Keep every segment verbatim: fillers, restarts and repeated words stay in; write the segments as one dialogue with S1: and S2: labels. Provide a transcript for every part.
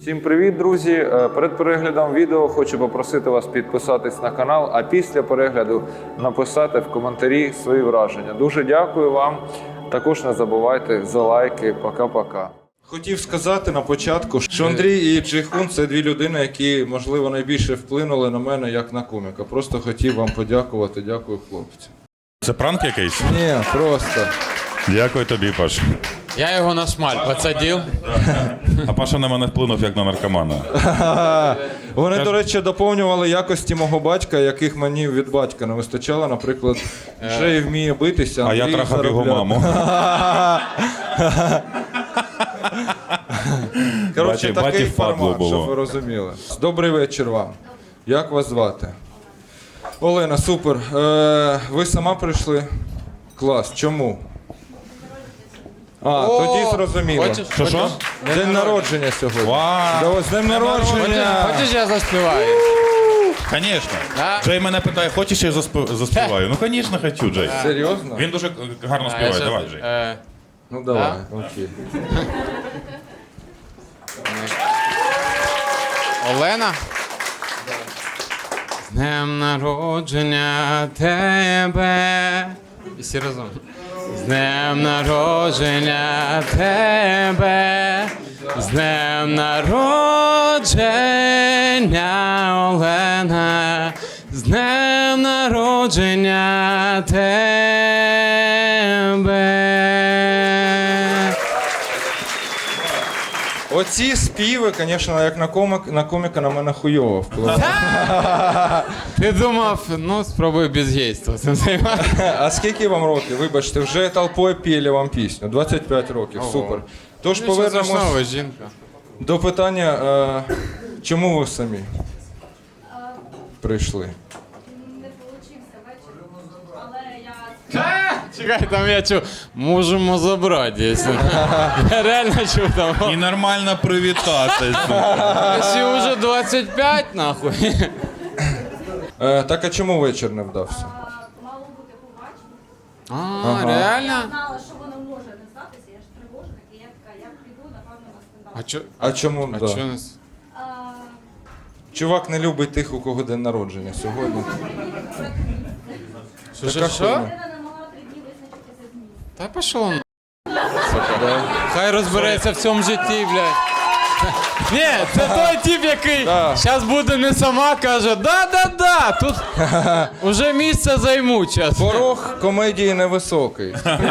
S1: Всім привіт, друзі! Перед переглядом відео хочу попросити вас підписатись на канал, а після перегляду написати в коментарі свої враження. Дуже дякую вам. Також не забувайте за лайки. Пока-пока. Хотів сказати на початку, що Андрій і Джейхун – це дві людини, які, можливо, найбільше вплинули на мене як на коміка. Просто хотів вам подякувати. Дякую, хлопці.
S2: Це пранк якийсь?
S1: Ні, просто.
S2: Дякую тобі, Паш.
S3: Я його на шмаль посадив.
S2: А Паша на мене вплинув як на наркомана.
S1: Вони, до речі, доповнювали якості мого батька, яких мені від батька не вистачало. Наприклад, Джей вміє битися,
S2: А
S1: Андрій
S2: я трахав його
S1: заробляти.
S2: маму.
S1: Коротше,
S2: Баті-
S1: такий
S2: баті впадло
S1: формат,
S2: було.
S1: щоб ви розуміли. Добрий вечір вам. Як вас звати? Олена, супер. Е, ви сама прийшли? Клас. Чому? А,
S3: О,
S1: тоді зрозуміло.
S3: хочеш-
S2: Що, що?
S1: День народження сьогодні.
S2: Вау!
S1: Да, ось день народження.
S3: Хочеш, я заспіваю?
S2: Звісно.
S3: Да?
S2: Джей мене питає, хочеш я засп- заспіваю? Ну, звісно, хочу, Джей.
S1: Серйозно?
S2: Він дуже гарно
S3: А,
S2: співає,
S3: я щас-
S2: давай, Джей.
S3: е,
S1: Ну давай, окей.
S3: Олена? З днем народження тебе. І всі разом. З днем народження тебе. З днем народження, Олена. З днем народження тебе.
S1: Оці співи, звісно, як на, комік, на коміка на мене хуйово впливають.
S3: Ти думав, ну спробуй без гейства цим займатися.
S1: А скільки вам років? Вибачте, вже толпою піли вам пісню. двадцять п'ять років,
S3: Ого.
S1: супер. Тож
S3: Нічого
S1: повернемось
S3: страшного, жінка.
S1: до питання, е, чому ви самі прийшли?
S4: Не получився вечір, але я
S3: Чекай, там я чув, можемо забрати, якщо. Я реально чув там.
S2: І нормально привітатися.
S3: Якщо вже двадцять п'ять, нахуй.
S1: Е, так а чому вечір не вдався?
S4: а, мало бути побачення.
S3: А,
S1: Ага.
S4: Я
S3: реально?
S4: знала, що воно може не здатися, я ж тривожна, і я така, я піду, напевно, на
S3: А
S4: скандал.
S3: чо?
S1: А чому?
S3: А
S1: да.
S3: чо нас?
S4: А,
S1: Чувак не любить тих, у кого день народження сьогодні.
S3: Що, що,
S1: Така
S3: що?
S1: хуйня.
S4: людина не могла три дні визначитися з місцем.
S3: Та пішов на. Хай розбереться в цьому житті, блядь. Ні, це той тип, який
S1: Да.
S3: зараз буде не сама, каже, да-да-да, тут уже місце займуть зараз.
S1: Порог комедії невисокий.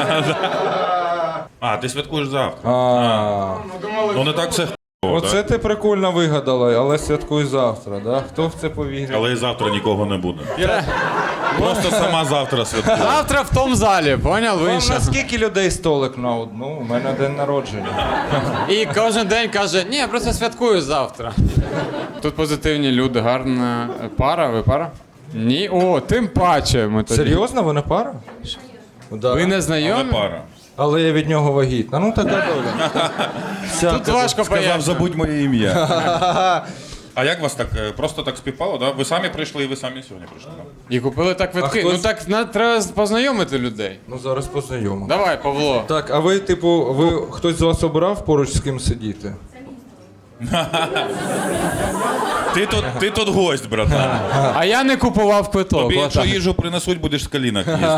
S2: А, ти святкуєш завтра.
S1: А,
S2: Ну, не так все х**ово,
S1: оце
S2: так?
S1: ти прикольно вигадала, але святкуй завтра, да? Хто в це повірить?
S2: Але і завтра нікого не буде. Просто сама завтра святкує.
S3: Завтра в тому залі, поняв? Ви
S1: Вам
S3: ще.
S1: на скільки людей столик на одну? У мене день народження.
S3: І кожен день каже, ні, я просто святкую завтра. Тут позитивні люди, гарна пара, ви пара? Ні, о, тим паче ми тоді.
S1: Серйозно, ви не пара? Да.
S3: Ви не
S2: Але
S3: знайомі?
S2: пара.
S1: Але я від нього вагітна. Ну така доля.
S3: Тут важко
S2: Сказав,
S3: пояснити.
S2: забудь моє ім'я. А як вас так, е, просто так співпало, да? Ви самі прийшли і ви самі сьогодні прийшли, да?
S3: І купили так квитки.
S1: А хтось-
S3: Ну так на, треба познайомити людей.
S1: Ну зараз познайомимо.
S3: Давай, Павло.
S1: Так, а ви, типу, ви хтось з вас обрав поруч з ким сидіти?
S2: Ти тут, ти тут гость, братан.
S3: А я не купував квиток.
S2: Тобі, якщо
S3: отак.
S2: їжу принесуть, будеш з колінок їсти.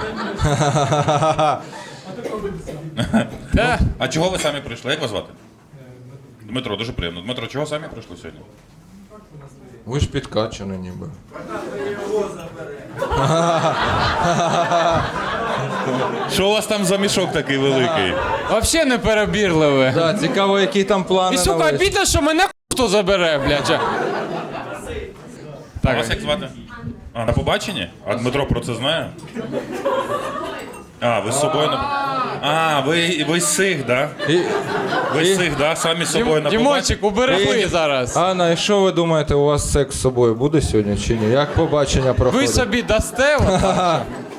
S3: Та,
S2: А чого ви самі прийшли? Як вас звати? Дмитро, дуже приємно. Дмитро, чого самі прийшли сьогодні?
S1: Ви ж підкачані ніби.
S2: Що у вас там за мішок такий великий?
S3: Взагалі не перебірливе.
S1: Так, цікаво, які там плани
S3: І
S1: на
S3: сука,
S1: вечір.
S3: обідно, що мене хто забере, блядь.
S2: А вас як звати? А, на побаченні? А Дмитро про це знає? А, ви з собою на... А, ви, ви з цих, да?
S1: І...
S2: Ви з цих, да? Самі з собою на побаченні?
S3: Дімончик, уберегли зараз.
S1: Анна, і що ви думаєте, у вас секс з собою буде сьогодні чи ні? Як побачення
S3: Ви
S1: проходить?
S3: собі дасте? отак?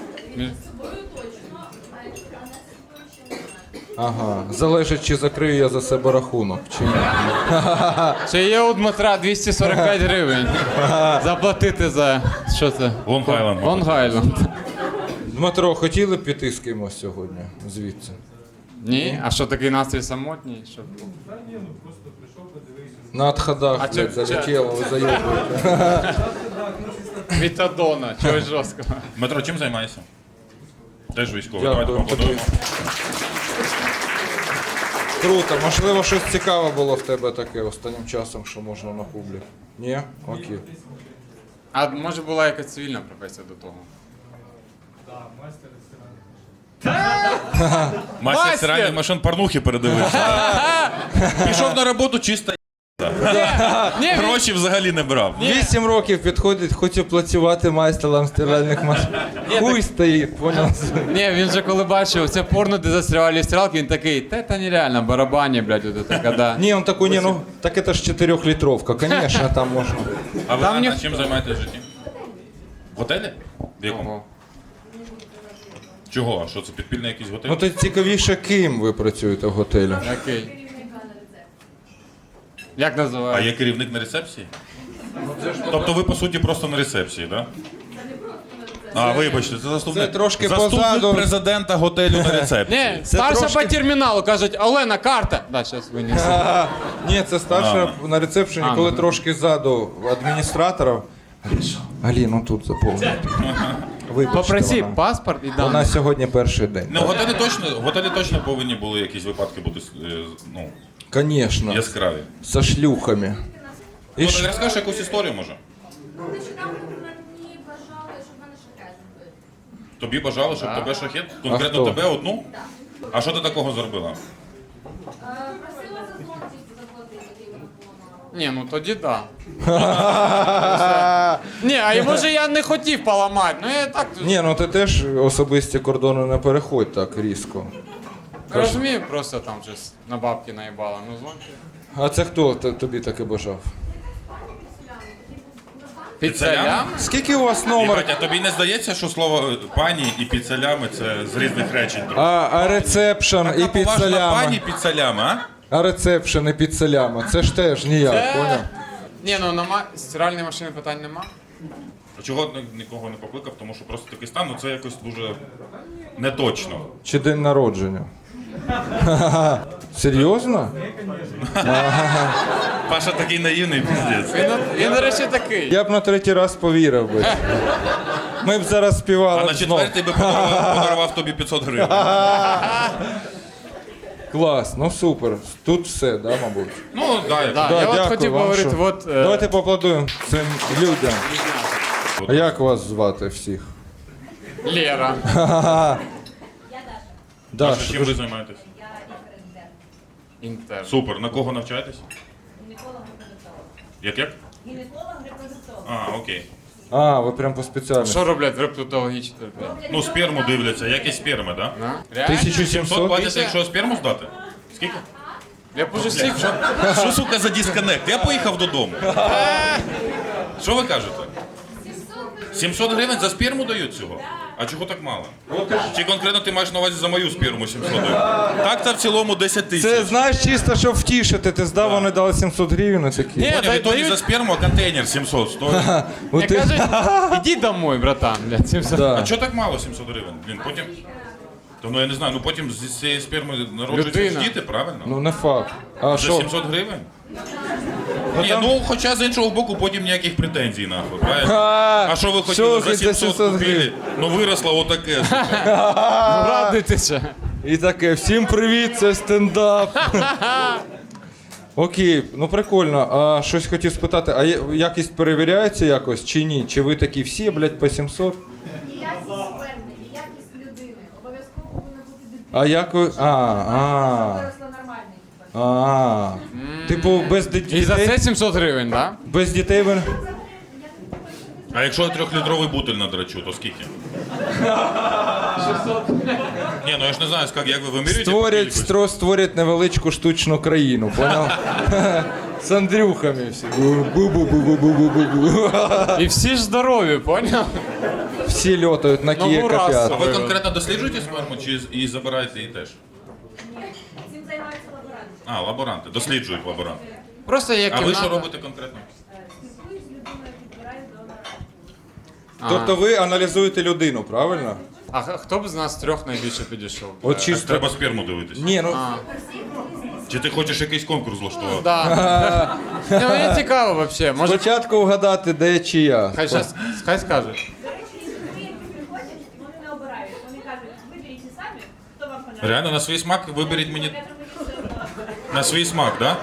S1: Ага, залежить, чи закрию я за себе рахунок, чи ні.
S3: Чи є у Дмитра двісті сорок п'ять гривень заплатити за... Що це?
S2: Лонг Айленд.
S3: Лонг Айленд.
S1: Дмитро, хотіли б піти з кимось сьогодні звідси?
S3: Ні? А що такий настрій самотній? Що...
S1: На отходах,
S3: А
S1: блядь,
S3: чо-
S1: залетіло, ви заєбуєте.
S3: Метадона, чогось жорсткого.
S2: Дмитро, чим займаєшся? Теж військовий. Давайте
S1: Дякую.
S2: поаплодуємо.
S1: Круто, можливо, щось цікаве було в тебе таке останнім часом, що можна на публі. Ні? Окей.
S3: А може була якась цивільна професія до того?
S2: Мастер
S3: Мастер!
S2: стиральних машин порнухи передивився. Пішов на роботу чисто.
S3: Ні, він-
S2: Гроші взагалі не брав.
S1: Вісім років підходить, хочу працювати майстером стиральних машин. Хуй стоїть, понял?
S3: Ні, він же коли бачив це порно, де застрявали стрілки, він такий, та це нереально, барабані, блядь, от це коли.
S1: Ні, он такой, не, ну, так это ж чотирьохлітровка, конечно, там можна.
S2: А ви
S3: Там
S2: а
S3: ніхто-
S2: чим займаєтесь в житті? В готелі? В якому?
S3: Ого.
S2: Чого? А що це підпільний якийсь готель?
S1: Ну то цікавіше, ким ви працюєте в готелі?
S3: Окей. Як
S2: А
S3: називається?
S2: є керівник на рецепції? Тобто ви, по суті, просто на рецепції, так? Да? А, вибачте, це заступник,
S1: це трошки
S2: заступник
S1: позаду.
S2: президента готелю на рецепції.
S3: Ні, старша
S1: трошки-
S3: по терміналу, кажуть, Олена, карта. Да, зараз винесу.
S1: А, ні, це старша на рецепшені,
S3: А,
S1: коли
S3: ну.
S1: трошки ззаду адміністратора. Алі, ну тут заповнити. Вибачте,
S3: Попроси
S1: вона.
S3: паспорт і
S1: Вона
S3: дані.
S1: сьогодні перший день.
S2: Ну, в готелі точно, в готелі точно повинні були якісь випадки бути е, ну,
S1: Конечно,
S2: яскраві.
S1: со шлюхами. І
S2: Ну,
S1: ш-
S2: ти розкажеш якусь історію, може?
S4: Нещодавно мені бажали, щоб в мене шахет зробили.
S2: Тобі бажали, щоб тебе шахет? Конкретно
S1: хто?
S2: тебе одну? А що ти такого зробила?
S4: Е, Просила за зломці заплатити, і вона поламала.
S3: Ні, ну тоді да. Ні, а йому же я не хотів поламати, ну я так
S1: Ні, ну ти теж особисті кордони не переходь так різко.
S3: розумію, просто там щось на бабки наїбала. Ну звонки.
S1: А це хто т- тобі таке бажав?
S3: Піцелям?
S1: Скільки у вас номер?
S2: Єбать, а тобі не здається, що слово е, пані і піцелями це з різних речень? трохи?
S1: А, а рецепшн і
S2: Така поважна
S1: підселями.
S2: пані піцелями, а?
S1: А рецепшн і підселями. Це ж теж ніяк, поняв?
S3: Ні, ну на ма... стиральної машини питань нема.
S2: А чого ні- нікого не покликав? Тому що просто такий стан, ну це якось дуже неточно.
S1: Чи день народження? Серйозно?
S2: Паша такий наївний, піздець.
S3: Він, він, до речі, такий.
S1: Я б на третій раз повірив би. Ми б зараз співали.
S2: А на
S1: знов.
S2: четвертий би подарував, подарував тобі п'ятсот гривень.
S1: Клас, ну супер. Тут все, да, мабуть?
S2: Ну, да, як.
S3: Да,
S1: Да,
S3: я от
S1: дякую
S3: хотів
S1: вам,
S3: говорити,
S1: що-
S3: от... е,
S1: Давайте поаплодуємо цим людям. А як вас звати всіх?
S3: Лера.
S2: Паша,
S1: Даш,
S2: чим ви займаєтесь?
S4: Я лікар-інтерн.
S3: Інтер.
S2: Супер. На кого навчаєтесь?
S4: Гінеколог-репродуктолог.
S2: Як як?
S4: Гінеколог-репродуктолог.
S2: А, окей.
S1: а, ви прям по спеціальності.
S3: Що роблять в репродуктологічній?
S2: Ну, сперму дивляться, якість сперми, так? Да?
S3: Реально?
S2: сімсот
S1: сімсот?
S2: платять, якщо сперму здати? Скільки?
S3: Я б уже всіх...
S2: Що, що, сука, за дисконект? Я поїхав додому. Що ви кажете? сімсот гривень за сперму дають цього? А чого так мало? Чи конкретно ти маєш на увазі за мою сперму сімсот дають? Так та в цілому десять
S1: Це
S2: тисяч.
S1: знаєш чисто, щоб втішити. Ти здав, вони дали сімсот гривень і такі.
S3: Ні,
S2: Поняв,
S3: дай-
S2: і тоді
S3: дають-
S2: за сперму, а контейнер сімсот стоїть.
S1: От
S3: Мені
S1: ти-
S3: кажуть, іди домой, братан, блядь, сімсот.
S1: Да.
S2: А чого так мало сімсот гривень? Блін, потім... То, ну я не знаю, ну потім з цієї сперми народжуються
S3: Людина.
S2: ж діти, правильно?
S1: Ну не факт. А
S2: За
S1: що?
S2: сімсот гривень? Ні, ну хоча з іншого боку потім ніяких претензій нахуй, правильно?
S1: А,
S2: А що ви
S1: що
S2: хотіли
S1: ви
S2: за сімсот
S1: сімсот
S2: купили?
S1: гривень?
S2: Ну виросло отаке.
S3: Радуйтеся.
S1: І таке, всім привіт, це стендап. Окей, ну прикольно. А щось хотів спитати, а є- якість перевіряється якось чи ні? Чи ви такі всі, блядь, по сімсот?
S4: І якість сперми, і якість людини. Обов'язково повинна бути дитина.
S1: А як ви. А, а,
S4: Виросла нормальний. типу.
S1: а. Типу, без ди-
S3: І за це
S1: дітей?
S3: сімсот гривень, да?
S1: Без дітей ви.
S2: А якщо я трьохлітровий бутиль надрачу, то скільки? Ні, ну я ж не знаю, як, як ви вимірюєте? по
S1: Створять,
S2: кількості?
S1: стро, створять невеличку штучну країну, поняв? З Андрюхами всі. Бу-бу-бу-бу-бу-бу-бу.
S3: І всі ж здорові, поняв?
S1: Всі льотають на
S3: Нову
S1: Києва
S3: расу.
S2: А
S1: п'ят.
S2: ви конкретно досліджуєте сперму чи з- і забираєте її теж?
S4: Цим займаються лаборанти.
S2: А, лаборанти, досліджують лаборанти.
S3: Просто є
S2: А ви
S3: кімната.
S2: що робите конкретно?
S4: Спілкуюсь з людиною, підбираю донора.
S3: А.
S1: Тобто ви аналізуєте людину, правильно?
S3: А х- хто б з нас трьох найбільше підійшов?
S1: От
S2: Так
S1: чисто.
S2: треба сперму дивитися.
S1: Ні, ну
S2: Чи Чи ти хочеш якийсь конкурс влаштувати?
S3: Да. Ні, мені цікаво взагалі. Може,
S1: Спочатку вгадати, де чия.
S3: хай, щас, хай скаже.
S4: До речі, клієнти приходять, вони не обирають. Вони кажуть, виберіть самі, хто вам подобається.
S2: Реально, на свій смак виберіть мені.
S4: Я думаю, все одно.
S2: На свій смак, да?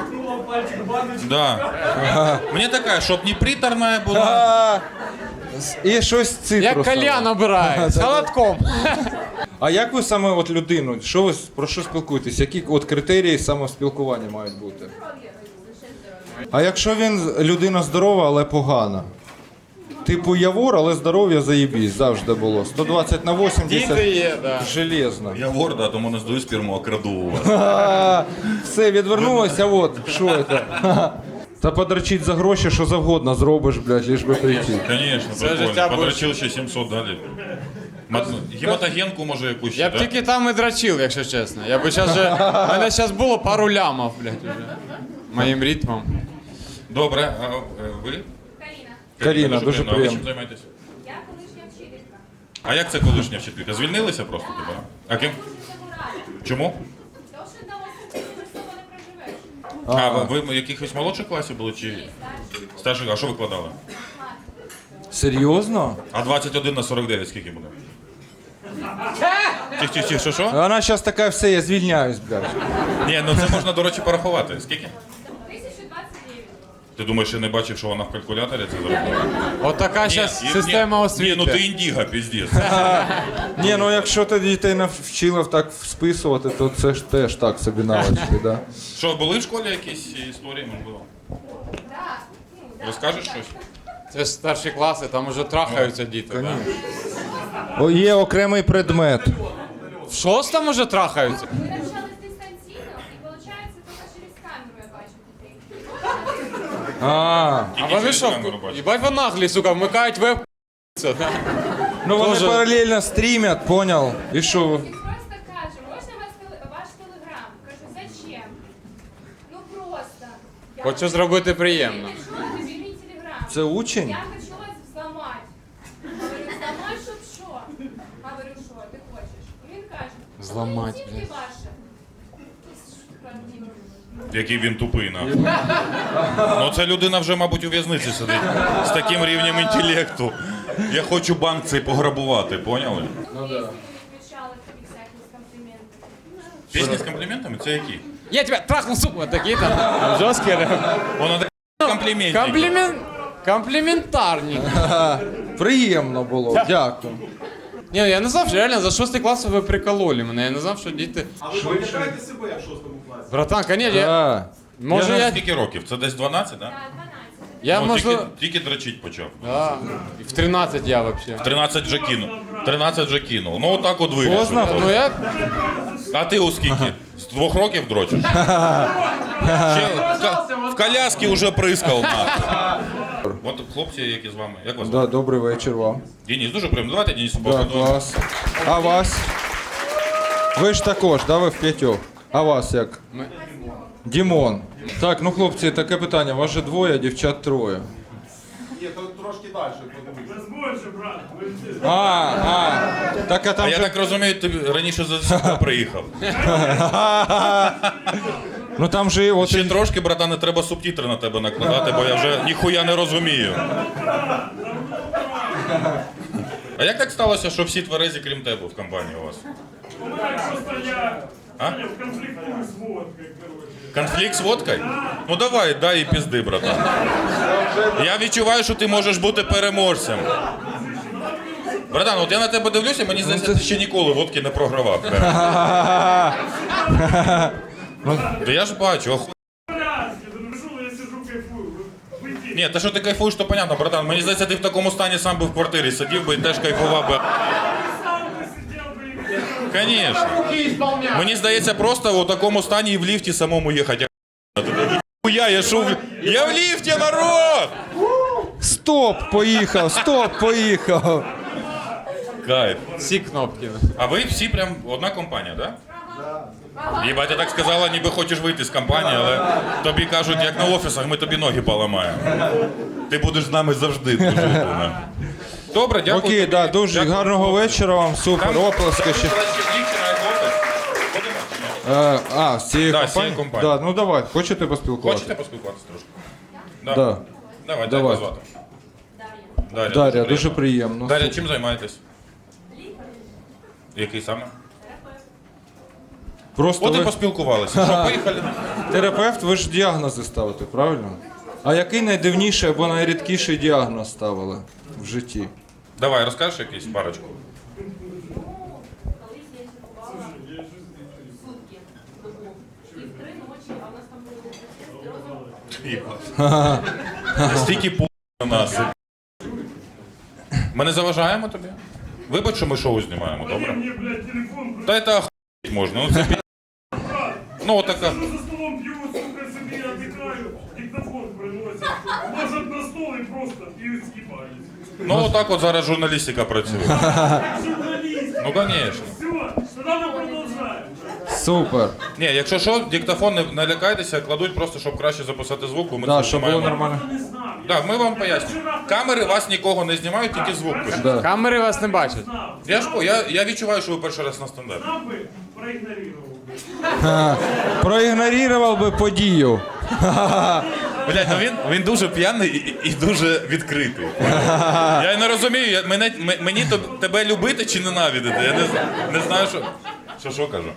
S2: Да. Мені така, щоб не приторна була.
S1: А, І щось
S3: Як
S1: цитрусове.
S3: кальян обирає, з холодком.
S1: А як ви саме от людину, що ви про що спілкуєтесь? Які от критерії самоспілкування мають бути? А якщо він людина здорова, але погана? Типу Явор, але здоров'я заєбісь, завжди було. сто двадцять на вісімдесят.
S3: Діти є, да.
S1: Железно.
S2: Я вор, да, тому не здаю сперму, а краду у вас.
S1: А, все, відвернулося, от, що це? Та подрочить за гроші, що завгодно зробиш, блядь, лиш би прийти.
S2: Звісно,
S3: Це життя
S2: прикольно. Подрочив ще сімсот далі. Мат- Гематогенку може якусь ще,
S3: Я б
S2: да?
S3: тільки там і дрочив, якщо чесно. Я би зараз же... У мене зараз було пару лямов, блядь, уже. Моїм ритмом.
S2: Добре, а е, ви?
S4: Каріна,
S1: Каріна, дуже
S2: приємно. А ви чим
S1: приємно.
S2: займаєтесь?
S4: я колишня вчителька.
S2: А як це колишня вчителька? Звільнилися просто тебе? А ким?
S4: Дуже цьому рада.
S2: Чому?
S4: Тому що на освіті просто не проживеш.
S2: А, ви ви в якихось молодших класів були чи старших? А що викладали?
S1: Серйозно?
S2: А двадцять один на сорок дев'ять скільки буде? Тих, тих, тих, що що?
S1: Вона зараз така, все, я звільняюсь, блядь.
S2: Ні, ну це можна, до речі, порахувати. Скільки?
S4: тисяча двадцять дев'ять.
S2: Ти думаєш, я не бачив, що вона в калькуляторі це зробила?
S3: От така зараз
S2: Ні,
S3: система
S2: ні,
S3: освіти.
S2: Ні, ну ти індіга, піздець.
S1: Ні, ну якщо ти дітей навчила так списувати, то це ж теж так собі навички, да?
S2: Що, були в школі якісь історії, можливо?
S4: Так, ну, да.
S2: Розкажеш щось?
S3: Це ж старші класи, там уже трахаються діти. Да?
S1: О, є окремий предмет.
S3: В шостому уже трахаються.
S4: Ми навчались дистанційно, і виходить, тільки через камеру я бачу дітей.
S1: А,
S3: А вони
S2: через
S3: що,
S2: камеру бачать.
S3: їбать ви наглі, сука, вмикають веб.
S1: ну вони
S3: Тоже.
S1: паралельно стрімять, понял? І що?
S4: І просто каже, можна вас теле- ваш телеграм? Кажу, зачем? Ну просто. Я
S3: Хочу зробити приємно.
S4: Ти що, тобі мій телеграм?
S1: Це учень?
S4: Я хочу вас взламати. Говорю, взламати, щоб що? Говорю, що ти хочеш? І він каже,
S3: Зламать,
S4: «Ну,
S3: блядь.
S4: тільки ваше. Правдиво.
S2: Який він тупий, нахуй. Ну це людина вже, мабуть, у в'язниці сидить. З таким рівнем інтелекту. Я хочу банк цей пограбувати, поняли?
S4: Ну, пісні не включали тобі всякі компліменти.
S2: Пісні з компліментами? Це які?
S3: Я тебе трахнув, сука, такі там. Жорсткі реп.
S2: Воно таке компліментики.
S3: Комплімент... Компліментарні.
S1: Приємно було, дякую.
S3: Ні, я не знав, що реально за шостий клас ви прикололи мене. Я не знав, що діти.
S5: А ви пам'ятаєте себе в шостому класі?
S3: Братан, конечно, я...
S1: А,
S3: Може я...
S2: Скільки років? Це десь дванадцять, так?
S4: Так, дванадцять.
S3: Я,
S2: Ну,
S3: можливо...
S2: тільки, тільки дрочить почав.
S3: Да. І в тринадцять я вообще.
S2: тринадцять вже кинув. тринадцять вже кинув. Ну отак от вирішив.
S1: Поздно?
S3: Ну я...
S2: А ти у скільки? З двох років дрочиш? Ще в, ка- в коляски вже прискав. нахуй. От хлопці, які з вами. Як вас?
S1: да, добрий вечір вам.
S2: Денис, дуже приємно. Давайте Денису
S1: Да,
S2: поаплодуємо.
S1: клас. А вас? Ви ж також, да, ви в п'ятьох. А вас як?
S3: Ми...
S1: Дімон. Так, ну хлопці, таке питання. Вас же двоє, дівчат троє.
S5: Ні, то трошки далі, подивіться.
S1: А, а. Так, а
S2: А
S1: там
S2: я
S1: же...
S2: так розумію, ти раніше за сюди приїхав.
S1: Ну там же от...
S2: Ще трошки, братане, треба субтитри на тебе накладати, бо я вже ніхуя не розумію. А як так сталося, що всі тверезі, крім тебе, в компанії у вас? А? Конфлікт з водкою? Ну давай, дай і пізди, братан. Я відчуваю, що ти можеш бути переможцем. Братан, от я на тебе дивлюся, мені здається, ти ще ніколи водки не програвав. Та я ж бачу, оху... Ні, те, що ти кайфуєш, то понятно, братан. Мені здається, ти в такому стані сам би в квартирі сидів би і теж кайфував би. Конечно. Мені здається, просто в такому стані і в ліфті самому їхати. Я, я шов... Я в ліфті, народ!
S1: Стоп, поїхав, стоп, поїхав.
S2: Кайф.
S3: Всі кнопки.
S2: А ви всі прям одна компанія, так? Да? Єбать, ти так сказала, ніби хочеш вийти з компанії, але тобі кажуть, як на офісах, ми тобі ноги поламаємо. Ти будеш з нами завжди дружити. Добре, дякую.
S1: Окей,
S2: тобі.
S1: да, дуже
S2: Дякую.
S1: гарного вечора вам, супер,
S2: Там-
S1: оплески ще.
S2: Там, до речі, дівчина, як офіс. Ходимо чи ні?
S6: Е, а, з цієї
S2: Да, з
S6: компанії?
S2: цієї компанії.
S6: Да, ну давай, хочете поспілкуватися?
S2: Хочете поспілкуватися трошки? Да.
S6: Да.
S2: Давай,
S6: Давай.
S2: як вас звати? Дар'я.
S6: Дар'я, дуже приємно.
S2: Дар'я, чим займаєтесь? Який саме?
S6: Просто
S2: От і
S6: ви
S2: поспілкувалися. Що, поїхали?
S6: терапевт, ви ж діагнози ставите, правильно? А який найдивніший або найрідкіший діагноз ставили в житті?
S2: Давай, розкажеш якийсь парочку?
S4: Колись я чергувала сутки добу. І в три ночі, а у нас там були розум.
S2: Стільки пу на нас. Ми не заважаємо тобі? Вибач, що ми шоу знімаємо, добре?
S7: Мне, блядь, телефон,
S2: Та це охуєть можна. Ну, це пі... Ну, отака.
S7: за столом пью, сука, себе отдыхаю, диктофон приносят, ложат на стол и просто пьют, съебались.
S2: Ну, отак от зараз журналістика працює.
S7: Журналист,
S2: Ну, звісно.
S7: все, тогда мы продолжаем.
S6: Супер.
S2: Ні, якщо що, диктофон не, не лякайтеся, кладуть просто, щоб краще записати звук, бо ми
S6: Да,
S2: це
S6: щоб було
S2: знімаємо.
S6: нормально.
S7: Не знаю,
S2: Так, ми вам пояснюємо. Камери вас нікого не знімають, тільки звук пишуть.
S6: Да.
S3: Камери вас не бачать.
S2: Я ж по- я, я відчуваю, що ви перший раз на стендапі.
S7: знал бы, проигнорировал.
S6: Проігнорував би подію.
S2: Блять, ну він, він дуже п'яний і, і дуже відкритий. Я й не розумію, я, мене, м- мені то, тебе любити чи ненавидити. Я не, з- не знаю, що. Що що кажу.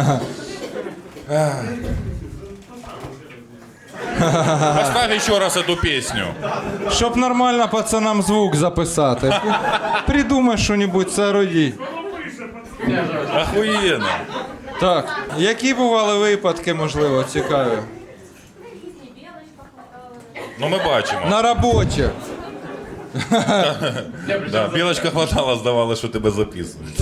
S2: Поставь ще раз эту пісню.
S6: Щоб нормально пацанам звук записати. Придумай що-небудь, соорудіть.
S2: Охуєнно.
S6: Так, які бували випадки, можливо, цікаві?
S4: Різні, білочка хватала.
S2: Ну ми бачимо.
S6: На роботі.
S2: Да, білочка хватала, здавала, що тебе записують.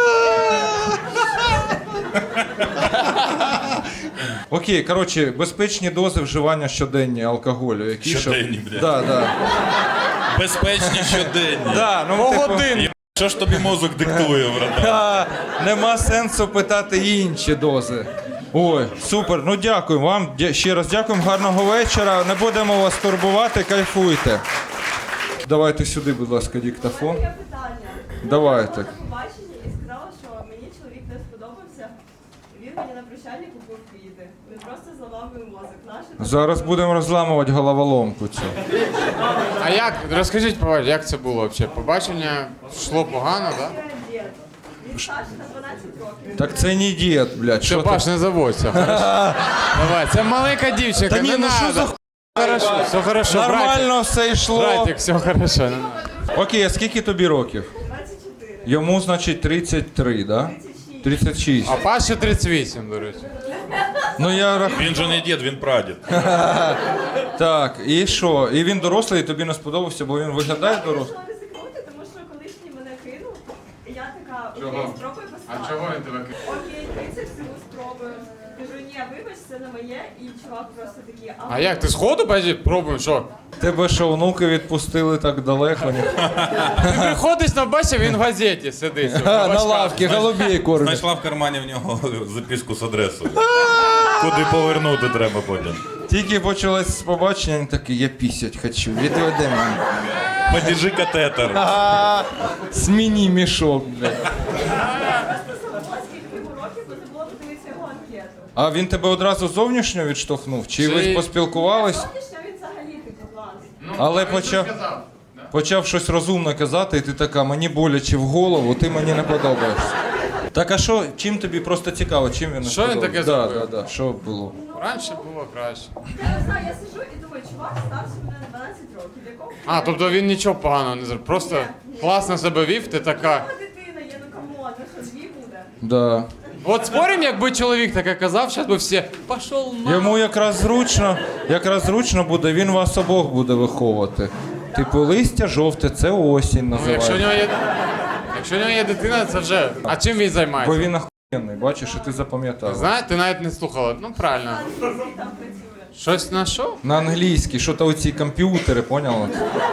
S6: Окей, коротше, безпечні дози вживання щоденні алкоголю. Які щоб-
S2: Щоденні, блядь.
S6: Да, да.
S2: Безпечні щоденні.
S6: Да, ну, типу,
S3: Годин.
S2: Що ж тобі мозок диктує, брата?
S6: а, нема сенсу питати інші дози. Ой, супер, ну дякую вам. Дя- Ще раз дякуємо, гарного вечора. Не будемо вас турбувати, кайфуйте. Давайте сюди, будь ласка, диктофон.
S8: Є питання.
S6: Давайте.
S8: Я була на побаченні і сказала, що мені чоловік не сподобався. Він мені на прощальні купив квіти. Він просто зламав мій мозок. Наше
S6: Зараз будемо розламувати головоломку цю.
S3: А як, розкажіть, побач- як це було взагалі? Побачення йшло погано, так? Да?
S8: дід. Він старший на дванадцять років.
S6: Так це не дід, блядь.
S3: Все,
S6: Що
S3: Паш,
S6: ти?
S3: не заводься. Хорошо. Давай, це маленька дівчинка,
S6: Та ні,
S3: не
S6: ну що
S3: надо.
S6: за ху-
S3: Хорошо, все хорошо, братик.
S6: Нормально все йшло.
S3: Братик, все хорошо. не надо.
S6: Окей, а скільки тобі років?
S8: двадцять чотири.
S6: Йому, значить, тридцять три, да? тридцять шість.
S3: А Паші тридцять вісім, до речі.
S6: Ну я рах...
S2: Він же не дід, він прадід.
S6: Так, і що? І він дорослий, і тобі не сподобався, бо він виглядає
S8: Я
S6: дорослим?
S8: вирішила ризикнути, тому що колишній мене кинув. І я така,
S3: Чого?
S8: окей, спробуй поставити.
S3: він тебе кинув?
S8: Окей, тридцять всього спробую. Кажу, ні, вибач, це не моє. І чувак просто такий,
S3: А як, ти сходу бачиш, пробуємо, що?
S6: Тебе що, внуки відпустили так далеко? Ні?
S3: Ти приходиш на бачив, він в газеті сидить.
S6: А, на лавці, голубей кормять.
S2: Знайшла в кармані в нього записку з адресою. Куди повернути треба потім.
S6: Тільки почалось з побачення, він такий, я пісять хочу, відведи мене.
S2: Подержи катетер.
S6: А, Зміні мішок, блядь.
S8: просто забула, скільки йому років, бо забула подивитися його анкету.
S6: А він тебе одразу зовнішньо відштовхнув? Чи ви
S3: Чи-
S6: поспілкувались?
S8: Зовнішньо він взагалі типу клас.
S6: Але почав, почав щось розумне казати, і ти така, мені боляче в голову, ти мені не подобаєшся. Так а що, чим тобі просто цікаво, чим він не
S3: Що він
S6: сподобався?
S3: таке
S6: да,
S3: зробив?
S6: да, да, що було?
S3: Раніше було краще.
S8: Я не знаю, я сижу і думаю, чувак старший мене на дванадцять років. Якого
S3: А, тобто він нічого поганого не зробив. Просто класно себе вів, ти така.
S8: Його дитина є, ну камон, ну що, дві буде?
S6: Да.
S3: От спорим, якби чоловік таке казав, зараз би всі пішов на.
S6: Йому якраз зручно, якраз зручно буде, він вас обох буде виховувати. Типу, листя жовте, це осінь
S3: Ну, якщо в
S6: називається.
S3: нього є. Якщо в нього є дитина, це вже. А чим він
S6: Бо
S3: займається?
S6: він охуєнний, бачиш, і ти запам'ятав.
S3: Знаєш, ти навіть не слухала. Ну правильно.
S8: Англійський там працює.
S3: Щось на що?
S6: На англійській, що то оці комп'ютери, поняла?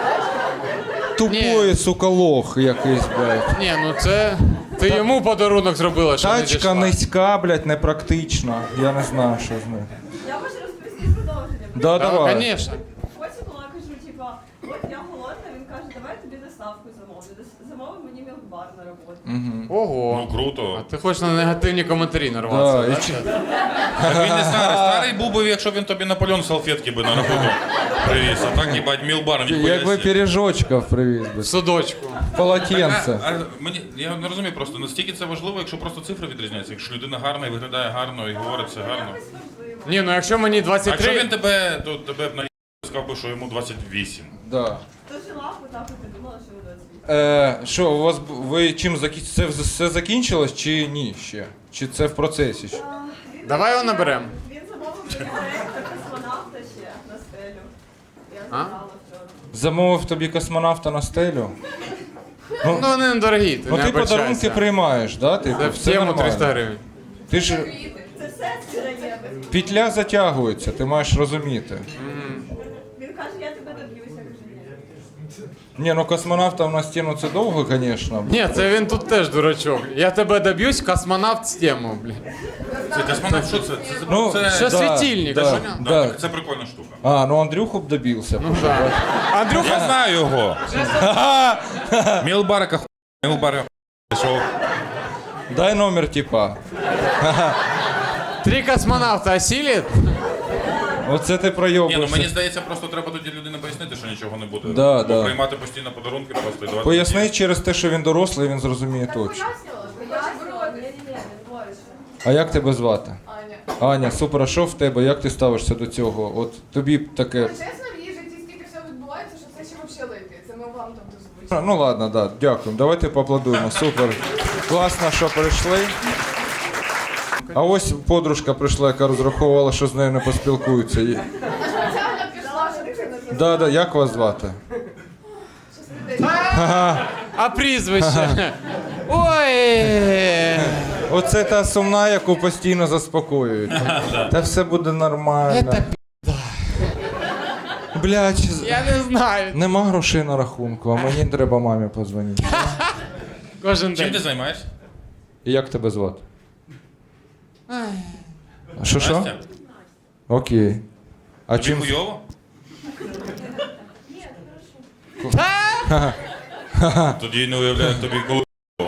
S6: Тупої, сука, лох якийсь, блядь.
S3: Ні, ну це. Ти йому подарунок зробила, що не
S6: Тачка
S3: дійшла.
S6: низька, блядь, непрактична. Я не знаю, що з нею.
S8: Я можу розповісти продовження.
S6: Да,
S3: Так,
S6: давай.
S3: звісно.
S8: Потім була, кажу, типа, от я голодна, він каже, давай тобі доставку замовлю. Дос- Замовив мені мілкбар на роботу.
S3: Ого.
S2: Ну круто.
S3: А ти хочеш на негативні коментарі нарватися,
S6: Да,
S3: так?
S6: і чи-
S2: Так він не старий. Старий був би, якщо б він тобі Наполеон салфетки би на роботу привіз. А так, їбать, мілбар, ніхуя
S6: Якби
S2: себе.
S6: пиріжочків привіз би.
S3: В судочку.
S6: Полотенце.
S2: А, а, мені, я не розумію просто, наскільки це важливо, якщо просто цифри відрізняються. Якщо людина гарна і виглядає гарно, і говорить все гарно.
S3: Ні, ну якщо мені
S2: А якщо він
S3: двадцять три...
S2: тебе, то тебе б на сказав би, що йому двадцять вісім.
S6: Да.
S8: То жила, отак от і думала, що ви двадцять вісім.
S6: Е, що, у вас б- ви чим закі... це вз- все закінчилось чи ні ще? Чи це в процесі ще?
S3: Давай його наберемо.
S8: Він замовив мені проєкт про космонавта ще на стелю. Я забрала вчора.
S6: Замовив тобі космонавта на стелю?
S3: Ну, вони недорогі, ти
S6: Ну
S3: не
S6: ти
S3: обольщайся.
S6: подарунки приймаєш, да? Ти,
S3: Це в тему триста гривень.
S6: Ти ж
S8: Це все сироєве.
S6: петля затягується, ти маєш розуміти.
S8: Він каже, я тебе доб'юся, каже, ні.
S6: Ні, ну космонавта в нас тему це довго, звісно.
S3: Ні, це він тут теж дурачок. Я тебе доб'юсь, космонавт з тему, блін.
S2: Це космонавт, що це? Це,
S6: Ну,
S2: це,
S3: Що
S6: да,
S3: світильник?
S6: да,
S3: що?
S2: да,
S6: да.
S2: так, це прикольна штука.
S6: А, ну Андрюху б добився.
S3: Ну так. Андрюха,
S2: Я знаю його. Мілбарка ху... Мілбарка пішов.
S6: Дай номер типа.
S3: три космонавта осілять?
S6: Оце ти
S2: Ні, ну
S6: пройобуєшся.
S2: мені здається, просто треба тоді людині пояснити, що нічого не буде.
S6: Да,
S2: Бо
S6: да.
S2: приймати постійно подарунки просто і давати.
S6: Поясни через те, що він дорослий, він зрозуміє точно.
S8: Ні-ні-ні, він говорить.
S6: А як тебе звати?
S8: Аня.
S6: Аня, супер, а що в тебе? Як ти ставишся до цього? От тобі б таке.
S9: Чесно, в її житті стільки все відбувається, що це ще взагалі липі. Це ми вам там дозвучимо.
S6: Ну ладно, да, дякую. Давайте поаплодуємо. Супер. Класно, що прийшли. А ось подружка прийшла, яка розраховувала, що з нею не поспілкуються. Є-
S9: Спеціально пішла, щоб ти не
S6: Да, да, як вас звати?
S3: А прізвище? Ой!
S6: Оце та сумна, яку постійно заспокоюють. Та все буде нормально. Блядь,
S3: Я не знаю.
S6: нема грошей на рахунку, а мені треба мамі подзвонити.
S3: Кожен
S2: Чим ти
S3: день.
S2: займаєшся?
S6: І як тебе звати? Що що?
S2: Настя?
S6: Окей. А
S2: Тобі
S6: чим?
S2: хуйово? Тоді не уявляю, як тобі коли.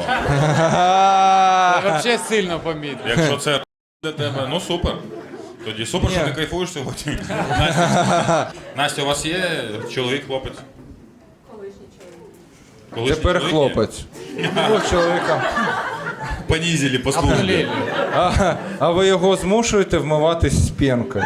S3: Взагалі сильно помітно.
S2: Якщо це для тебе, ну супер. Тоді супер, що
S6: Ні.
S2: ти кайфуєш сьогодні. Настя, Настя, у вас є чоловік, хлопець?
S8: Колишній чоловік.
S2: Колишній
S6: Тепер
S2: чоловік є?
S6: хлопець. Ну, чоловіка.
S2: Понизили, послухали.
S3: Обнулили.
S6: А, а ви його змушуєте вмиватись з пінкою?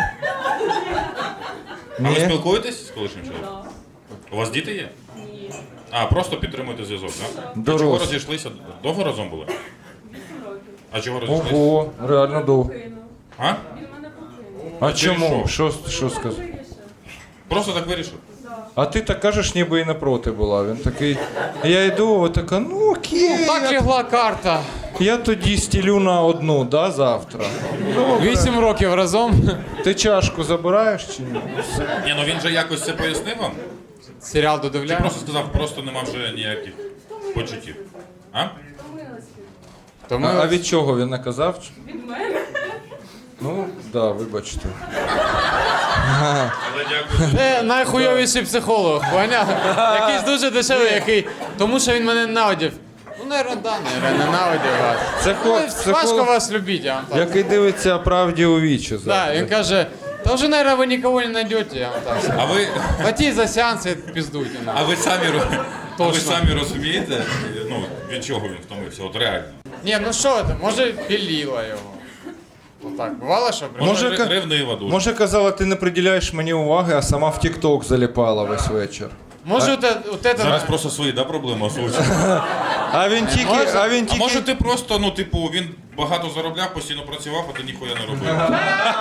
S2: А ви
S6: Ні?
S2: спілкуєтесь з колишнім чоловіком? У вас діти є?
S8: Ні.
S2: А, просто підтримуєте зв'язок, так? А
S6: Дорослі.
S2: чого розійшлися? Довго разом були?
S8: Вісім років.
S2: А чого розійшлися?
S6: Ого, реально довго.
S8: Кинув.
S2: А?
S8: Він мене покинув.
S6: А
S2: ти
S6: чому?
S2: що?
S6: Що, що сказав?
S8: Вирішив.
S2: Просто так вирішив?
S6: А ти так кажеш, ніби і не проти була. Він такий. Я йду, от така, ну окей.
S3: Так лягла карта.
S6: Я тоді стілю на одну, да, завтра.
S3: Вісім років разом.
S6: Ти чашку забираєш чи ні?
S2: Ні, ну він же якось це пояснив вам?
S3: Серіал
S2: Чи
S3: додивляємо.
S2: просто сказав, просто нема вже ніяких почуттів? А?
S3: То
S6: А,
S3: ми
S6: а від чого він не казав?
S8: Від мене.
S6: Ну, да, вибачте.
S2: Але дякую.
S3: Це найхуйовіший психолог, поняв? Якийсь дуже дешевий, який. Тому що він мене ненавидів. Ну, не рада, не ненавидів вас.
S6: Це
S3: Ну,
S6: хо-
S3: важко
S6: психолог,
S3: вас любити, я вам так.
S6: який дивиться правді у вічі.
S3: Да,
S6: завжди.
S3: він каже, та вже, наверное, ви нікого не знайдете, я вам так скажу.
S2: А ви,
S3: Платіть за сеанс і піздуйте.
S2: а ви самі, ро- а ви
S3: Точно.
S2: самі розумієте, ну, від чого він втомився? От реально.
S3: Ні, ну що це, може піліла його. Отак, бувало, що прям?
S6: Може,
S2: Може,
S6: ка-
S2: ревнива дуже.
S6: Може, казала, ти не приділяєш мені уваги, а сама в Тік-Ток заліпала весь вечір.
S3: Може, от, от это...
S2: Зараз просто свої, да, проблеми озвучив.
S6: А він тільки.
S3: Може-
S6: А він
S2: А
S6: тільки.
S2: може ти просто, ну, типу, він багато заробляв, постійно працював, а ти ніхуя не робив.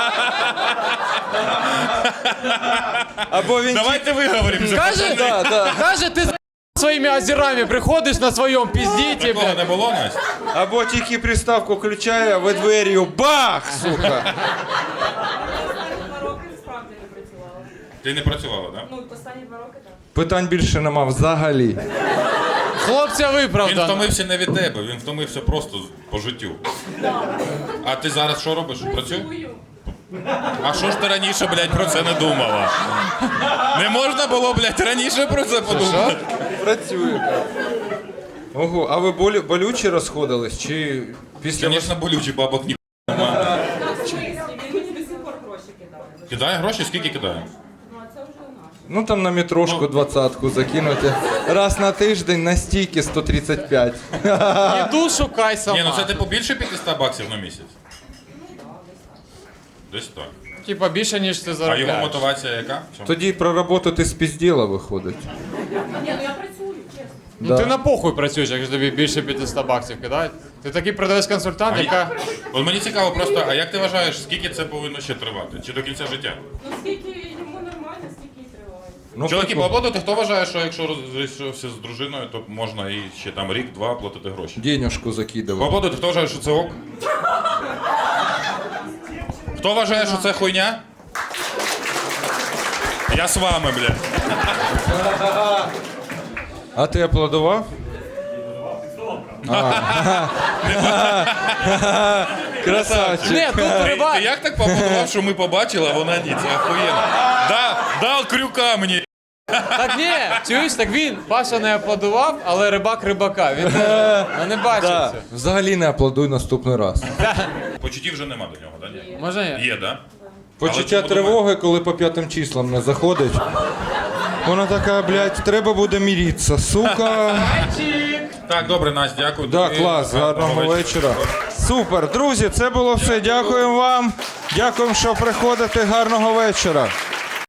S6: Або він тільки.
S2: Давайте виговоримося.
S3: Каже,
S6: Да, да.
S3: каже, ти з своїми озерами приходиш на своєму піздіті,
S2: Такого
S3: блядь.
S2: не було, Настя?
S6: Або тільки приставку включає, а ви двер'ю бах, сука.
S8: Останні два роки справді не працювала.
S2: Ти не працювала, так?
S8: Ну, останні два роки так.
S6: Питань більше нема взагалі.
S3: Хлопця
S2: Він
S3: виправдано.
S2: втомився не від тебе, він втомився просто по життю. А ти зараз що робиш? Працюєш?
S8: Чую.
S2: А що ж ти раніше, блядь, про це не думала? Не можна було, блядь, раніше про це подумати?
S6: Працює. Ого, а ви болі, болючі розходились? Чи після
S2: Звісно, болючі, бабок ні.
S8: Він мені до сих пор гроші кидає.
S2: Кидає гроші? Скільки кидає?
S8: Ну, а це вже наше.
S6: Ну там на метрошку двадцятку закинути. Раз на тиждень на стійки сто тридцять п'ять.
S3: Іду шукай сама.
S2: Ні, ну це типу більше п'ятсот баксів на місяць? Десь так.
S3: Типа більше, ніж ти
S2: А
S3: заробляєш.
S2: його мотивація яка? В чому?
S6: Тоді про роботу ти спізділа виходить.
S8: Ні, ну я працюю, чесно.
S3: Ну
S6: Да.
S3: ти на похуй працюєш, якщо тобі більше п'ятсот баксів кидають. Ти такий продавець-консультант,
S2: А
S3: яка...
S2: От мені цікаво просто, а як ти вважаєш, скільки це повинно ще тривати? Чи до кінця життя?
S8: Ну скільки йому нормально, стільки і триває.
S6: Ну,
S2: Чоловіки,
S6: прикол.
S2: поаплодуйте, хто вважає, що якщо розрішився з дружиною, то можна і ще там рік-два платити гроші?
S6: Денюжку закидував.
S2: Поаплодуйте, хто вважає, що це ок? Хто вважає, що це хуйня? Я з вами, блядь.
S6: А ти аплодував? Красавчик.
S3: Ні, тут
S2: Ти,
S3: риба...
S2: ти як так поаплодував, що ми побачили, а вона ні, це охуєнно. Да, дав крюка мені.
S3: Так ні, чуєш, так він, Паша не аплодував, але рибак рибака. Він не, ну, не бачив
S6: Да.
S3: це.
S6: Взагалі не аплодуй наступний раз.
S2: Почуттів вже нема до нього, да? Ні?
S3: Може ні?
S2: Є, да?
S6: Почуття
S2: Але чому
S6: тривоги, коли по п'ятим числам не заходить. Вона така, блядь, треба буде міритися, сука.
S2: Так, добре, Настя, дякую.
S6: Да,
S2: тобі.
S6: клас, гарного вечора. Супер, друзі, це було все. Дякуємо вам. Дякуємо, що приходите. Гарного вечора.